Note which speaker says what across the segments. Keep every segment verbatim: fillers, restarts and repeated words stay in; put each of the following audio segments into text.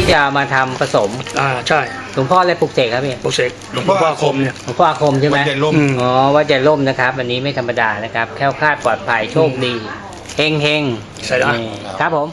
Speaker 1: จะเอามาทำผสม
Speaker 2: อ่าใช่
Speaker 1: หลวงพ่ออะไรปลุกเสกครับพี่
Speaker 2: โปรเซกหลวงพ่ออาคมเนี่ย
Speaker 1: หลวงพ่ออาคมใช่ไหม
Speaker 3: วัดใหญ่ร่ม
Speaker 2: อืม
Speaker 1: อ๋อวัดใหญ่ร่มนะครับอันนี้ไม่ธรรมดานะครับแคล้วคลาดปลอดภัยโชคดีเฮงเฮง
Speaker 2: ใช่แล้ว
Speaker 1: นี่ครับผม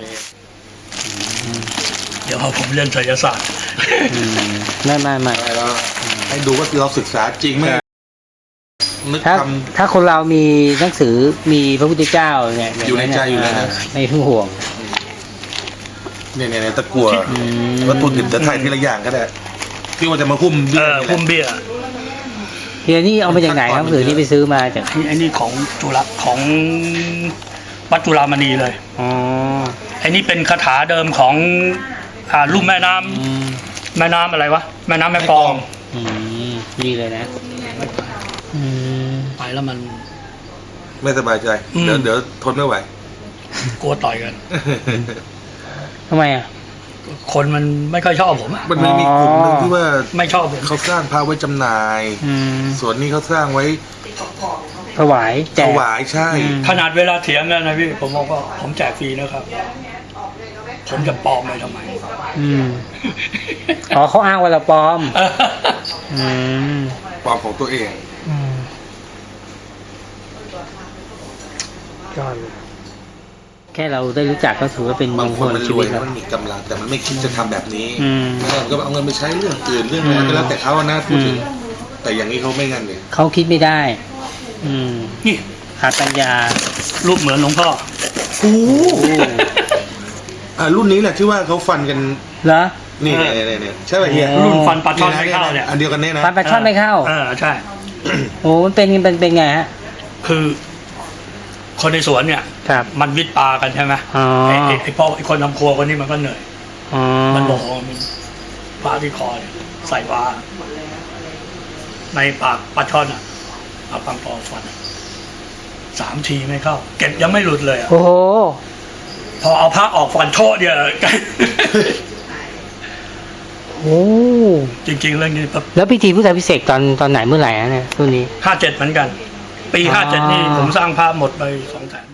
Speaker 2: เดี๋ยวผมเรียนไสยศาสตร์
Speaker 1: อืมไม่ไม่ไม่
Speaker 3: ได้แล้วให้ดูว่าเราศึกษาจริงไหมนึก
Speaker 1: ถ้า
Speaker 3: ท
Speaker 1: ถ้าคนเรามีหนังสือมีพระพุทธเจ้าเนี่ย
Speaker 3: อยู่ในใจอยู่แล้วนะ
Speaker 1: ไม่ต้องห่วง
Speaker 3: ำเนี่ยเนี่ยเนี่ยตะกั่ว
Speaker 1: อืม
Speaker 3: วัตถุดิบจะถ่ายทีละอย่างก็ได้ที่ว่าจะมาคุ้ม
Speaker 2: เอ
Speaker 3: เบี้ย
Speaker 2: อ
Speaker 3: นี่แห
Speaker 2: คุ้ม
Speaker 3: ละ
Speaker 2: เบี้ย
Speaker 1: เฮียนี่เอามาจากไหนครับหนังสือที่ไปซื้อมาจาก
Speaker 2: ไอ้นี่ของจุฬาของวัดจุฬามณีเลย
Speaker 1: อ๋อ
Speaker 2: ไอ้นี่เป็นคาถาเดิมของอ่าลุ่มแม่น้ำ
Speaker 1: อืม
Speaker 2: แม่น้ำอะไรวะแม่น้ำแม่กลอง
Speaker 1: อืมนี่เลยนะอืม
Speaker 2: ไปแล้วมัน
Speaker 3: ไม่สบายใจ
Speaker 2: อืม
Speaker 3: เดี๋ยวเดี๋ยวทนไม่ไหว
Speaker 2: กลัวต่อยกัน
Speaker 1: ทำไมอ่ะ
Speaker 2: คนมันไม่ค่อยชอบผมอะ
Speaker 3: มันไม่มีกลุ่มหนึ่งที่ว่า
Speaker 2: ไม่ชอบผม
Speaker 3: เขาสร้างพระไว้จำหน่าย
Speaker 1: อืม
Speaker 3: ส่วนนี้เขาสร้างไว้
Speaker 1: ถวายแจ
Speaker 3: ถ
Speaker 1: ก
Speaker 3: วายใช่
Speaker 1: อืม
Speaker 2: ขนาดเวลาเถียงกันนะพี่ผมบอกว่าผมแจกฟรีนะครับผมจะปลอมไปทำไม
Speaker 1: อืมอ๋อเขาอ้างว่าเราปลอม อืม
Speaker 3: ความของตัวเอง
Speaker 1: อืมยอดเลยแค่เราได้รู้จักก็ถือว่าเป็นม
Speaker 3: บาง
Speaker 1: ง
Speaker 3: ค
Speaker 1: คน ล
Speaker 3: มัน
Speaker 1: ชี
Speaker 3: ร
Speaker 1: วิ
Speaker 3: ว
Speaker 1: ต
Speaker 3: ย
Speaker 1: ค
Speaker 3: แล้
Speaker 1: รั
Speaker 3: ว
Speaker 1: บ
Speaker 3: มันมีกำลังแต่มันไม่คิดจะทำแบบนี้
Speaker 1: อืม
Speaker 3: แล้วก็เอาเงินไปใช้เรื่องอื่นเรื่องอะไรก็แล้วแต่เขาอะนะพูดถึง
Speaker 1: อืม
Speaker 3: แต่อย่างนี้เขาไม่งั้นเลย
Speaker 1: เขาคิดไม่ได้ อืม
Speaker 2: นี่
Speaker 1: ขาดปัญญา
Speaker 2: รูปเหมือนหลวงพ่อ
Speaker 3: โอ้อ่ารุ่นนี้แหละที่ว่าเขาฟันกัน
Speaker 1: เหรอ
Speaker 3: นี่
Speaker 2: เออ
Speaker 3: เนี่ยเนี่ยเนี่ยใช่ป่ะเฮีย
Speaker 1: โอ้
Speaker 2: รุ่นฟันปลาช่อนไม่เข้าเนี่ย
Speaker 3: อันเดียวกันเนี่ยนะ
Speaker 1: ฟันปลาช่อนไม่เข้า
Speaker 2: เออใช่
Speaker 1: โอ้มันเป็นเป็นเป็นไงฮะ
Speaker 2: คือ คนในสวนเนี่ย
Speaker 1: ครับ
Speaker 2: มันวิทย์ปลากันใช่ไหม
Speaker 1: อ๋อ
Speaker 2: ไอ้ไอ้ไอ้พ่อไอ้คนทำครัวคนนี้มันก็เหนื่อย
Speaker 1: อ๋อ
Speaker 2: มันบอกว่ามันปลาที่คอเนี่ยใส่ปลาในปากปลาช่อนอ่ะเอาปังปอฟันสามทีไม่เข้า เก็บยังไม่หลุดเลยอะ
Speaker 1: โอ้โห
Speaker 2: พอเอาผ้าออกฟันโชดเนี่ย
Speaker 1: โอ้
Speaker 2: จริงๆเรื่องนี้
Speaker 1: แล้วพิธีพุทธพิเศษกตอนตอนไหนเมื่อไหร่ฮะเนี่ยรุ่นนี้
Speaker 2: ห้าเจ็ดเหมือนกัน ปี
Speaker 1: อ๋อ
Speaker 2: ห้าเจ็ดนี่ผมสร้างภาพหมดไปสองแสน